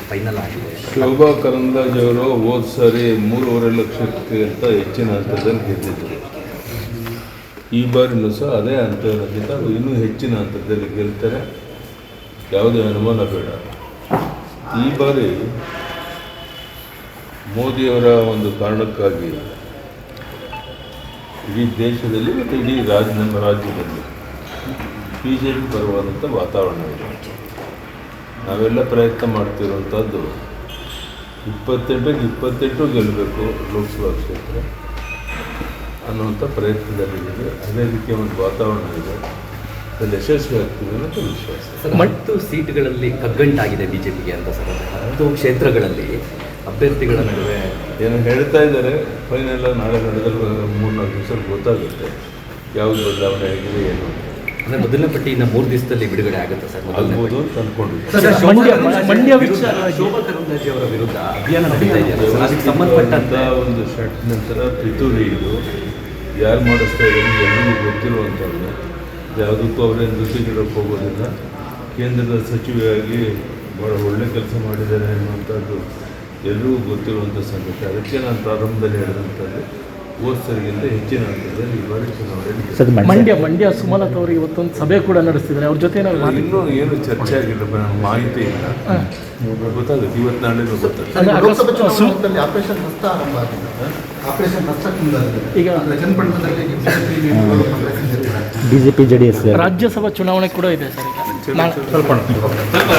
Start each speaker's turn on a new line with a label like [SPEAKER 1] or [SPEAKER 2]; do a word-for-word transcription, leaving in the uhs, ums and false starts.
[SPEAKER 1] Final ಆಗಿದೆ.
[SPEAKER 2] ಶೋಭಾ ಕರಂದ್ಲಾಜೆ ಅವರು ಹೋದ ಸಾರಿ ಮೂರುವರೆ ಲಕ್ಷಕ್ಕಿಂತ ಹೆಚ್ಚಿನ ಹಂತದಲ್ಲಿ ಗೆದ್ದಿದ್ದರು. ಈ ಬಾರಿನೂ ಸಹ ಅದೇ ಹಂತಕ್ಕಿಂತ ಇನ್ನೂ ಹೆಚ್ಚಿನ ಹಂತದಲ್ಲಿ ಗೆಲ್ತಾರೆ, ಯಾವುದೇ ಅನುಮಾನ ಬೇಡ. ಈ ಬಾರಿ ಮೋದಿಯವರ ಒಂದು ಕಾರಣಕ್ಕಾಗಿ ಇಡೀ ದೇಶದಲ್ಲಿ ಮತ್ತು ಇಡೀ ರಾಜ್ಯ ನಮ್ಮ ರಾಜ್ಯದಲ್ಲಿ ಬಿ ಜೆ ಪಿ ಬರುವಂಥ ವಾತಾವರಣ ಇದೆ. ನಾವೆಲ್ಲ ಪ್ರಯತ್ನ ಮಾಡ್ತಿರುವಂಥದ್ದು ಇಪ್ಪತ್ತೆಂಟಕ್ಕೆ ಇಪ್ಪತ್ತೆಂಟು ಗೆಲ್ಲಬೇಕು ಲೋಕಸಭಾ ಕ್ಷೇತ್ರ ಅನ್ನುವಂಥ ಪ್ರಯತ್ನದಲ್ಲಿದೆ. ಅದೇ ರೀತಿಯ ಒಂದು ವಾತಾವರಣ ಇದೆ, ಅದರಲ್ಲಿ ಯಶಸ್ವಿ ಆಗ್ತೀವಿ ಅನ್ನೋಂಥ ವಿಶ್ವಾಸ.
[SPEAKER 1] ಹತ್ತು ಸೀಟ್ಗಳಲ್ಲಿ ಕಗ್ಗಂಟಾಗಿದೆ ಬಿ ಜೆ ಪಿಗೆ ಅಂತ ಸರ್. ಹತ್ತು ಕ್ಷೇತ್ರಗಳಲ್ಲಿ ಅಭ್ಯರ್ಥಿಗಳ ನಡುವೆ
[SPEAKER 2] ಏನು ಹೇಳ್ತಾ ಇದ್ದಾರೆ, ಫೈನಲ್ ನಾಳೆ ನಡೆದಲ್ಲಿ ಮೂರ್ನಾಲ್ಕು ದಿವಸ ಗೊತ್ತಾಗುತ್ತೆ ಯಾವುದು ಬದಲಾವಣೆ ಆಗಿದೆ ಏನು.
[SPEAKER 1] ಅಂದರೆ ಮೊದಲನೇ ಪಟ್ಟಿಯಿಂದ ಮೂರು ದಿವಸದಲ್ಲಿ ಬಿಡುಗಡೆ ಆಗುತ್ತೆ ಸರ್.
[SPEAKER 2] ಆಗ್ಬೋದು ಅಂತ ಅಂದ್ಕೊಂಡಿದ್ದೆ.
[SPEAKER 1] ಶೋಭಾ ಕರಂದ್ಲಾಜೆ ಅವರ ವಿರುದ್ಧ ಅಭಿಯಾನ ನಡೀತಾ ಇದೆ, ಅದಕ್ಕೆ ಸಂಬಂಧಪಟ್ಟಂತ
[SPEAKER 2] ಒಂದು ಶಟ್ ನಂತರ ಪಿತೂರಿ ಇದು ಯಾರು ಮಾಡಿಸ್ತಾ ಇದ್ದಾರೆ ಎಲ್ಲರಿಗೂ ಗೊತ್ತಿರುವಂಥದ್ದು. ಯಾವುದಕ್ಕೂ ಅವರೇ ನೃತ್ಯ ನೀಡೋಕ್ಕೆ ಹೋಗೋದಿಲ್ಲ. ಕೇಂದ್ರದ ಸಚಿವೆಯಾಗಿ ಭಾಳ ಒಳ್ಳೆ ಕೆಲಸ ಮಾಡಿದ್ದಾರೆ ಅನ್ನುವಂಥದ್ದು ಎಲ್ಲರಿಗೂ ಗೊತ್ತಿರುವಂಥ ಸಂಗತಿ. ಅದಕ್ಕೆ ನಾನು ಪ್ರಾರಂಭದಲ್ಲಿ ಹೇಳಿದಂಥದ್ದು ಹೋದ ಸರಿಗಿಂತ ಹೆಚ್ಚಿನ ಹಂತದಲ್ಲಿ ಈ ಬಾರಿ ಚುನಾವಣೆ.
[SPEAKER 3] ಮಂಡ್ಯ ಮಂಡ್ಯ ಸುಮಲತಾ ಅವರು ಇವತ್ತೊಂದು ಸಭೆ ಕೂಡ ನಡೆಸ್ತಿದ್ದಾರೆ, ಅವ್ರ ಜೊತೆ
[SPEAKER 2] ಇನ್ನೂ ಏನು ಚರ್ಚೆ ಆಗಿಲ್ಲ, ನನಗೆ ಮಾಹಿತಿ ಇಲ್ಲ, ಗೊತ್ತಾಗುತ್ತೆ ಇವತ್ತು ನಾಳೆ ಗೊತ್ತಾಗುತ್ತೆ.
[SPEAKER 4] ಲೋಕಸಭಾ ಚುನಾವಣೆಯಲ್ಲಿ ಆಪರೇಷನ್ ಹಸ್ತ ಆರಂಭ ಆಗಿದೆ. ಆಪರೇಷನ್ ಹಸ್ತ ಈಗ ಚನ್ನಪಟ್ಟಣದಲ್ಲಿ
[SPEAKER 3] ಬಿಜೆಪಿ ಜೆಡಿಎಸ್ ರಾಜ್ಯಸಭಾ ಚುನಾವಣೆ ಕೂಡ ಇದೆ ಸರ್. ಈಗ ಸ್ವಲ್ಪ